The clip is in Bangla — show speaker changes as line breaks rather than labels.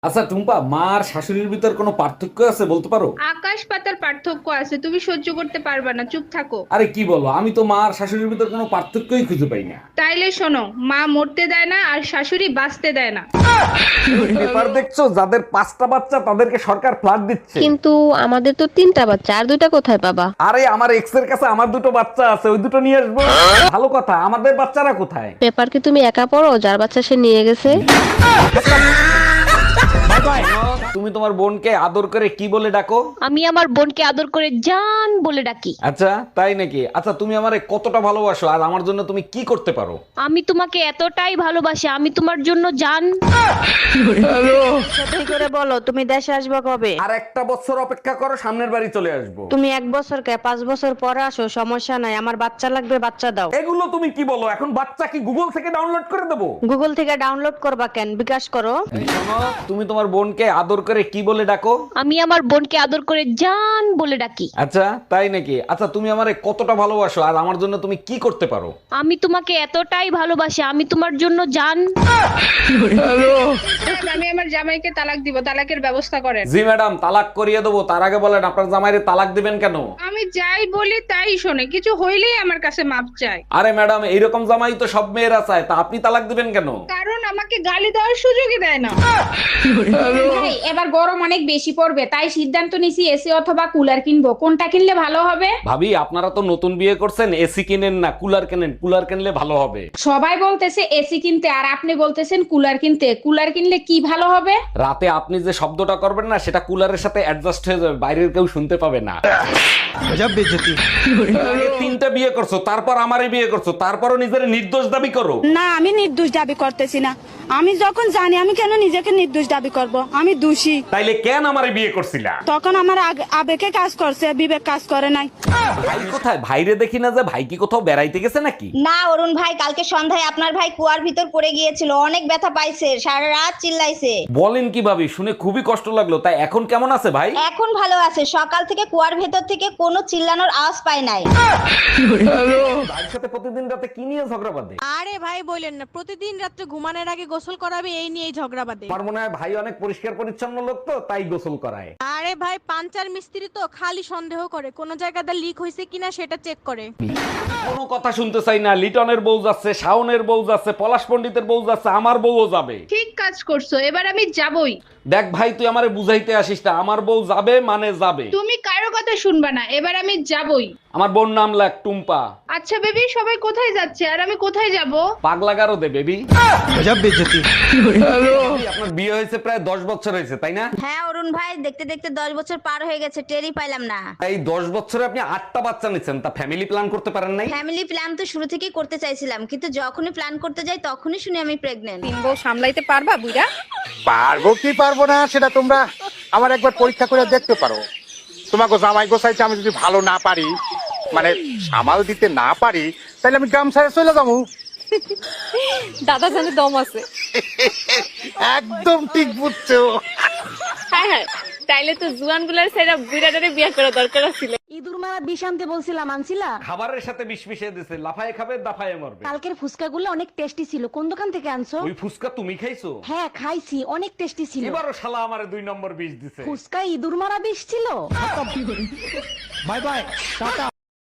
আচ্ছা টুম্পা, মা আর শাশুড়ির ভিতর কোনো পার্থক্য আছে বলতে পারো?
আকাশ পাতার পার্থক্য আছে, তুমি সহ্য করতে পারবে না, চুপ থাকো।
আরে কি বলো, আমি তো মা আর শাশুড়ির ভিতর কোনো পার্থক্যই খুঁজে পাই না।
তাইলে শোনো, মা মরতে দেয় না আর শাশুড়ি বাঁচতে দেয় না।
পেপার দেখছো, যাদের 5টা বাচ্চা তাদেরকে সরকার ফ্ল্যাট দিচ্ছে।
কিন্তু আমাদের তো 3টা বাচ্চা, আর 2টা কোথায় পাবা?
আরে আমার এক্স এর কাছে আমার 2টো বাচ্চা আছে, ওই 2টো নিয়ে আসবো। ভালো কথা, আমাদের বাচ্চারা কোথায়?
পেপার কি তুমি একা পড়ো? যার বাচ্চা সে নিয়ে গেছে।
তুমি তোমার বোনকে আদর করে কি বলে ডাকো?
আমি আমার বোনকে আদর করে জান বলে ডাকি।
আচ্ছা তাই নাকি? আচ্ছা তুমি আমারে কতটা ভালোবাসো আর আমার জন্য তুমি কি করতে পারো?
আমি তোমাকে এতটাই ভালোবাসি, আমি তোমার জন্য জান।
সত্যি করে বলো, তুমি দেশে আসবে কবে?
আর একটা বছর অপেক্ষা করো, সামনের বাড়ি চলে আসবো।
তুমি 1 বছর 5 বছর পরে আসো, সমস্যা নাই, আমার বাচ্চা লাগবে, বাচ্চা দাও।
এগুলো তুমি কি বলো? এখন বাচ্চা কি গুগল থেকে ডাউনলোড করে দেবো?
গুগল থেকে ডাউনলোড করবা কেন, বিকাশ করো।
শোনো, তুমি তোমার বোনকে আদর করে কি বলে ডাকো?
আমি আমার বোনকে আদর করে জান বলে ডাকি।
আচ্ছা তাই নাকি? আচ্ছা তুমি আমারে কতটা ভালোবাসো আর আমার জন্য তুমি কি করতে পারো?
আমি তোমাকে এতটাই ভালোবাসি, আমি তোমার জন্য জান।
আমি আমার জামাইকে তালাক দিব, তালাকের ব্যবস্থা করেন।
জি ম্যাডাম, তালাক করিয়ে দেবো। তার আগে বলেন আপনার জামাইরে তালাক দিবেন কেন?
আমি যাই বলি তাই শোনে, কিছু হইলেই আমার কাছে মাপ চায়।
আরে ম্যাডাম, এইরকম জামাই তো সব মেয়েরা চায়, তা আপনি তালাক দিবেন কেন?
কারণ আমাকে গালি দেওয়ার সুযোগই দেয় না।
ভাই এবার গরম অনেক বেশি পড়বে, তাই সিদ্ধান্ত নিছি এসি অথবা কুলার কিনবো। কোনটা কিনলে ভালো হবে?
ভাবি, আপনারা তো নতুন বিয়ে করছেন, এসি কিনেন না, কুলার কেনেন। কুলার কিনলে ভালো হবে।
সবাই বলতেছে এসি কিনতে, আর আপনি বলতেছেন কুলার কিনতে। কুলার কিনলে কি ভালো হবে?
রাতে আপনি যে শব্দটা করবেন না, সেটা কুলারের সাথে অ্যাডজাস্ট হয়ে যাবে, বাইরের কেউ শুনতে পাবে না। আগে 3টা বিয়ে করছো, তারপর আমারই বিয়ে করছো, তারপরও নিজের নির্দোষ দাবি করো।
না, আমি নির্দোষ দাবি করতেছি না। আমি যখন জানি, আমি কেন নিজেকে নির্দোষ দাবি করব? আমি দোষী।
তাইলে কেন আমারই বিয়ে করছিলা?
তখন আমার আবেগে কাজ করছে, বিবেক কাজ করে নাই।
ভাই কোথায়? ভাইরে দেখি না যে। ভাই কি কোথাও বেড়াইতে গেছে নাকি?
না অরুণ ভাই, কালকে সন্ধ্যায় আপনার ভাই কুয়ার ভিতর পড়ে গিয়েছিল, অনেক ব্যথা পাইছে, সারা রাত চিল্লাইছে।
বলেন কি ভাবি, শুনে খুবই কষ্ট লাগলো। তাই এখন কেমন আছে ভাই?
এখন ভালো আছে, সকাল থেকে কুয়ার ভেতর থেকে কোনো চিল্লানোর আওয়াজ পায় নাই।
ভাইয়ের সাথে প্রতিদিন রাতে কি নিয়ে ঝগড়া বাঁধে?
আরে ভাই বললেন না, প্রতিদিন রাত্রে ঘুমানোর আগে গোসল করাবে, এই নিয়েই ঝগড়া বাঁধে।
আমার মনে হয় ভাই অনেক পরিষ্কার পরিচ্ছন্ন লোক, তো তাই গোসল করায়।
আরে ভাই পাঞ্চার মিস্ত্রি তো খালি সন্দেহ করে, কোন জায়গাতে লিক হয়েছে কিনা সেটা চেক করে।
কোনো কথা শুনতে চাই না। লিটনের বউ যাচ্ছে, শাওনের বউ যাচ্ছে, পলাশ পণ্ডিতের বউ যাচ্ছে, আমার বউও যাবে।
ঠিক কাজ করছো, এবার আমি যাবই।
দেখ ভাই, তুই আমারে বুঝাইতে আসিস না, আমার বউ যাবে মানে যাবে।
তুমি কারো কথা শুনবা না, এবার আমি যাবই।
আমার বোন নাম লাগ টুম্পা।
আচ্ছা বেবি, সবাই কোথায় যাচ্ছে আর আমি কোথায় যাব?
পাগলা গারো দে বেবি। আপনার বিয়ে হয়েছে প্রায় 10 বছর হয়েছে, তাই না?
হ্যাঁ অরুণ ভাই, দেখতে দেখতে 10 বছর পার হয়ে গেছে, টেরই পাইলাম না।
এই 10 বছরে আপনি 8টা বাচ্চা নিচ্ছেন, তা ফ্যামিলি প্ল্যান করতে পারেন নাই?
ফ্যামিলি প্ল্যান তো শুরু থেকেই করতে চাইছিলাম, কিন্তু যখনই প্ল্যান করতে যাই তখনই শুনি আমি প্রেগনেন্ট।
সামলাইতে পারবা বুইড়া?
পারবো কি পারবো না সেটা তোমরা আমার একবার পরীক্ষা করে দেখতে পারো। তোমাকে জামাই গোসাইতে আমি যদি ভালো না পারি, মানে সামাল দিতে না পারি, তাহলে আমি গ্রাম ছেড়ে চলে যাবো।
দাদা জানে দম আছে।
একদম ঠিক বুঝছো।
হ্যাঁ হ্যাঁ, তাইলে তো জুয়ান গুলার সাইরা বুইড়াটারে বিয়ে করা দরকার ছিল।
ইঁদুর মারা বিষ আনতে বলছিলাম, আনছিলা?
খাবারের সাথে বিষ মিশিয়ে দিছে, লাফায় খাবে দাফায় মরবে।
কালকের ফুচকাগুলো অনেক টেস্টি ছিল, কোন দোকান থেকে আনছো?
ওই ফুসকা তুমি খাইছো?
হ্যাঁ খাইছি, অনেক টেস্টি ছিল।
এবারও শালা আমারে 2 নম্বর বিষ দিছে।
ফুচকা ইঁদুর মারা বিষ ছিল।
Bye bye, tata.